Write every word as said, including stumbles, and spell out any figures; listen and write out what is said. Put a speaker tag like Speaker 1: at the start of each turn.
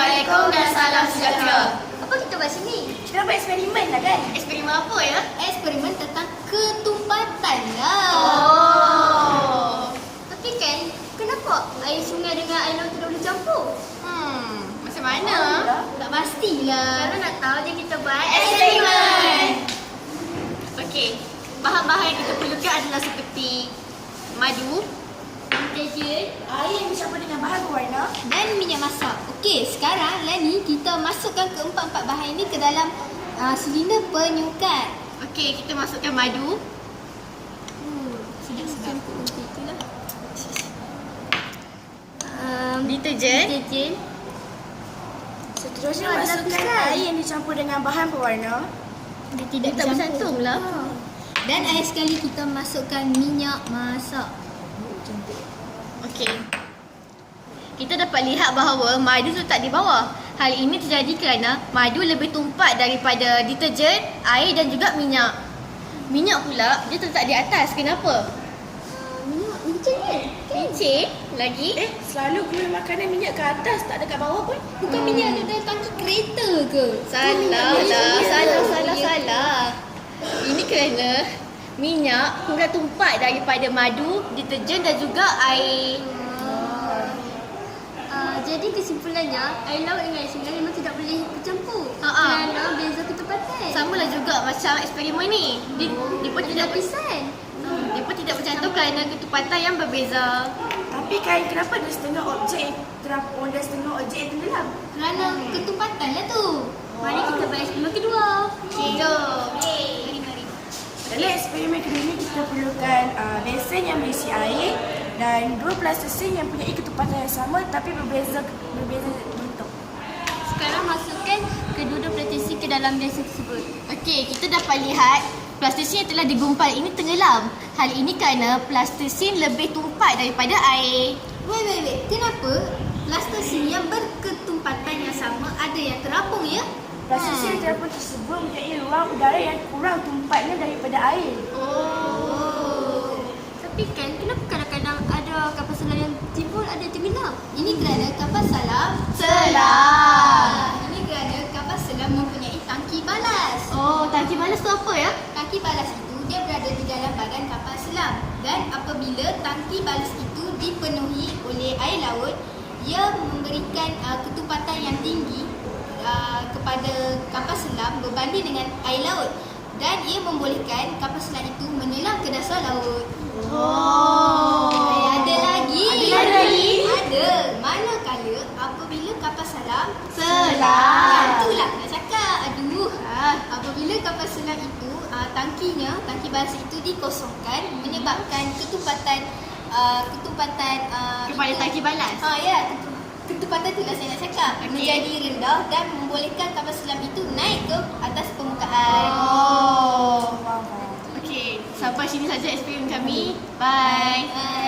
Speaker 1: Assalamualaikum dan salam sejahtera.
Speaker 2: Apa kita buat sini?
Speaker 1: Kita buat eksperimen lah kan?
Speaker 3: Eksperimen apa ya?
Speaker 2: Eksperimen tentang ketumpatan lah.
Speaker 3: Oh.
Speaker 2: Tapi kan, kenapa air sungai dengan air laut tidak boleh campur?
Speaker 3: Hmm, macam mana?
Speaker 2: Oh, tak pastilah. Kalau nak tahu, je kita buat
Speaker 3: Eksperimen. Okey, bahan-bahan yang kita perlukan adalah seperti madu,
Speaker 2: deterjen
Speaker 1: Air yang dicampur dengan bahan berwarna.
Speaker 2: dan minyak masak. Okey, sekarang Lani kita masukkan keempat-empat bahan ini ke dalam uh, silinder penyukat.
Speaker 3: okey kita masukkan madu,
Speaker 2: Hmm, sedap-sedap. Macam itulah. Um,
Speaker 3: deterjen,
Speaker 2: deterjen.
Speaker 1: Seterusnya
Speaker 2: Oh, ada
Speaker 1: masukkan
Speaker 2: lapisan.
Speaker 1: air yang dicampur dengan bahan berwarna.
Speaker 2: Dia tidak
Speaker 3: Dia tak bercantum lah.
Speaker 2: Dan akhir sekali kita masukkan minyak masak.
Speaker 3: Okey. Kita dapat lihat bahawa madu letak di bawah. Hal ini terjadi kerana madu lebih tumpat daripada deterjen, air dan juga minyak. Minyak pula dia terletak di atas. Kenapa?
Speaker 2: Uh, minyak licin kan?
Speaker 3: Licin lagi.
Speaker 1: Eh, selalu guna makanan minyak ke atas, tak ada kat bawah pun.
Speaker 2: Bukan minyak ada dalam tangki kereta ke?
Speaker 3: Salah
Speaker 2: minyak
Speaker 3: lah,
Speaker 2: licin.
Speaker 3: salah, salah,
Speaker 2: Ya.
Speaker 3: salah. Ini kerana minyak kurang tumpat daripada madu, deterjen dan juga air.
Speaker 2: Uh, jadi kesimpulannya, air laut dengan air sungai memang tidak boleh bercampur.
Speaker 3: Ha, ha.
Speaker 2: Kerana beza ketepatan.
Speaker 3: Sama lah juga macam eksperimen ni. Dia, dia pun
Speaker 2: Ada
Speaker 3: tidak
Speaker 2: lapisan.
Speaker 3: dia pun tidak bercantum kerana ketepatan yang berbeza.
Speaker 1: Tapi kan kenapa ada setengah objek terapung dan setengah objek yang tenggelam?
Speaker 2: Kerana ketepatan lah tu. Mari kita buat eksperimen kedua.
Speaker 3: Okey, jom.
Speaker 2: Mari, mari.
Speaker 1: Dalam eksperimen kedua ini kita perlukan uh, besen yang berisi air dan dua plastisin yang punya ketepatan yang sama tapi berbeza berbeza bentuk.
Speaker 2: Sekarang masukkan kedua-dua plastik ke dalam besen tersebut.
Speaker 3: Okey, kita dapat lihat plastisin yang telah digumpal ini tenggelam. Hal ini kerana plastisin lebih tumpat daripada air.
Speaker 2: Wait, wait, wait. Kenapa plastisin yang berketumpatan yang sama ada yang terapung ya?
Speaker 1: Plastisin yang terapung tersebut mempunyai ruang udara yang kurang tumpatnya daripada air.
Speaker 2: Oh. Tapi kan kenapa kadang-kadang ada kapal selam yang timbul ada yang tenggelam? Ini kerana kapal selam
Speaker 3: Selam.
Speaker 2: Ini kerana kapal selam mempunyai tangki balas.
Speaker 3: Oh, tangki balas tu apa ya?
Speaker 2: Tangki balas itu dia berada di dalam badan kapal selam dan apabila tangki balas itu dipenuhi oleh air laut, ia memberikan uh, ketumpatan yang tinggi uh, kepada kapal selam berbanding dengan air laut dan ia membolehkan kapal selam itu menyelam ke dasar laut.
Speaker 3: Oh.
Speaker 2: Eh, ada lagi?
Speaker 3: Ada lagi?
Speaker 2: Ada. Manakala apabila kapal selam
Speaker 3: Selam.
Speaker 2: Itulah nak cakap. Aduh. Ah, apabila kapal selam itu uh, tangkinya, tangki balas itu dikosongkan menyebabkan ketumpatan uh, ketumpatan uh,
Speaker 3: Kepada
Speaker 2: itu-
Speaker 3: tangki balas.
Speaker 2: Ha ya, ketu- ketupatan itulah saya nak cakap.
Speaker 3: Okey.
Speaker 2: Menjadi rendah dan membolehkan kapal selam itu naik ke atas permukaan.
Speaker 3: Oh.
Speaker 1: Wow.
Speaker 3: Okey, sampai sini saja eksperimen kami. Bye.
Speaker 2: Bye.